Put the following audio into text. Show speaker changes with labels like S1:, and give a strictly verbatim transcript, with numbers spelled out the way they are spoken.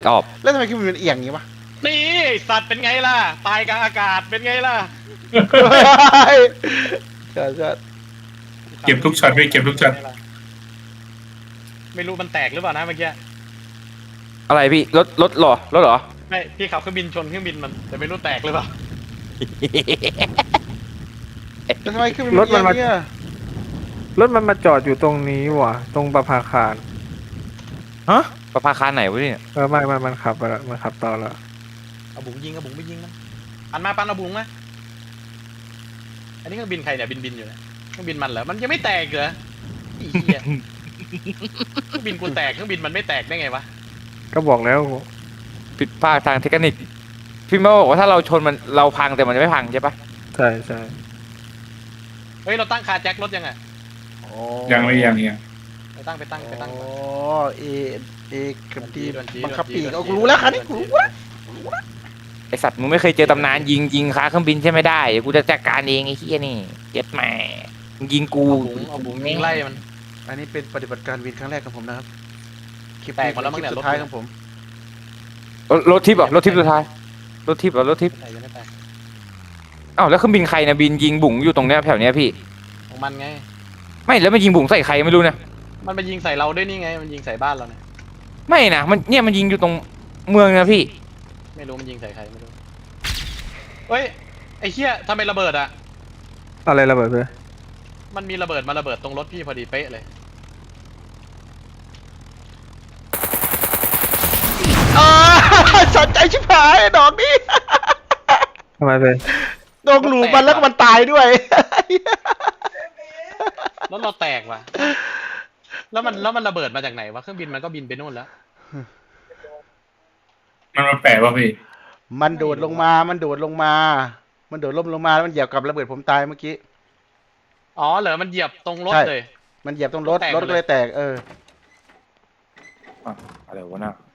S1: ออบ
S2: แล้วทำไมเครื่องบินมันเอียงอย่างนี้วะ
S3: นี่สัตว์เป็นไงล่ะตายกลางอากาศเป็นไงล่ะ
S2: ใช่ใช่
S4: เก็บทุกช็อตพี่เก็บทุกช็อต
S3: ไม่รู้มันแตกหรือเปล่านะเมื่อกี้
S1: อะไรพี่รถรถหรอรถหรอ
S3: ไม่พี่ขับเครื่องบินชนเครื่องบินมันแต่ไม่รู้แตกหรือเปล่า
S2: แล้วทำไมเครื่องบินมันเอียงเนี่ย
S5: รถมันมาจอดอยู่ตรงนี้ว่ะตรงประภาคาร
S1: ฮะประภาคารไหนวะเนี่ย
S5: เออไม่ไม่มันขับไปแล้วมันขับต่อแล้ว
S3: เอาบุ๋งยิงเอาบุ๋งไม่ยิงมันปันมาปันเอาบุ๋งมาอันนี้เครื่องบินใครเนี่ยบินบินอยู่เนี่ยเครื่องบินมันเหรอมันยังไม่แตกเหรออีเหี้ยเครื่องบินกูแตกเครื่องบินมันไม่แตกได้ไงวะ
S5: ก็บอกแล้ว
S1: ผิดพลาดทางเทคนิคพี่มาบอกว่าถ้าเราชนมันเราพังแต่มันจะไม่พังใช่ปะ
S5: ใช่ใช่
S3: เฮ้ยเราตั้งคาแจ็ครถยังไง
S4: ยังไม่ยังยัง
S3: ไปตั้งไปตั้งไปตั้ง
S2: อ๋อเอเอกับดีบังคับปีกเอากูรู้แล้วคันนี้กูรู้แล้ว
S1: ไอสัตว์มึงไม่เคยเจอตำนานยิงยิงค้าเครื่องบินใช่ไม่ได้กูจะจัดการเองไอ้เหี้ยนี่เจ็ดแม่ยิงกู
S3: เอาบุ๋งยิงไล่มัน
S2: อันนี้เป็นปฏิบัติการวินครั้งแรกของผมนะครับคลิป
S3: แตกหมดแล้วมั้งเนี่ย
S2: สุดท้ายของผม
S1: รถทิพย์เหรอรถทิพย์สุดท้ายรถทิพย์เหรอรถทิพย์อ้าวแล้วเครื่องบินใครนะบินยิงบุ๋งอยู่ตรงเนี้ยแถวเนี้ยพี่
S3: ของมันไง
S1: ไม่แล้วมันยิงบุ๋งใส่ใครไม่รู้นะ
S3: มันไปยิงใส่เราด้วยนี่ไงมันยิงใส่บ้านเราเนี่ย
S1: ไม่นะมันเนี่ยมันยิงอยู่ตรงเมืองนะพี่
S3: ไม่รู้มันยิงใส่ใครไม่รู้เฮ้ยไอ้เหี้ยทำไมระเบิดอะ
S5: อะไรระเบิดเลย
S3: มันมีระเบิดมาระเบิดตรงรถพี่พอดีเป๊ะเลย
S2: สนใจชิบหายดอกนี้
S5: ทำไมเป็น
S2: โดนหลูมันแล้วก็มันตายด้วย
S3: รถเราแตกว่ะแล้วมันแล้วมันระเบิดมาจากไหนวะเครื่องบินมันก็บินไปนู่นแล้ว
S4: มันมาแปะป่ะพี่
S2: มันโดดลงมามันโดดลงมามันโดดล่มลงมาแล้วมันเหยียบกับระเบิดผมตายเมื่อกี้
S3: อ๋อเหรอมันเหยียบตรงรถเลย
S2: มันเหยียบตรงรถรถก็เลยแตกเออ
S1: อะไรวะน่ะ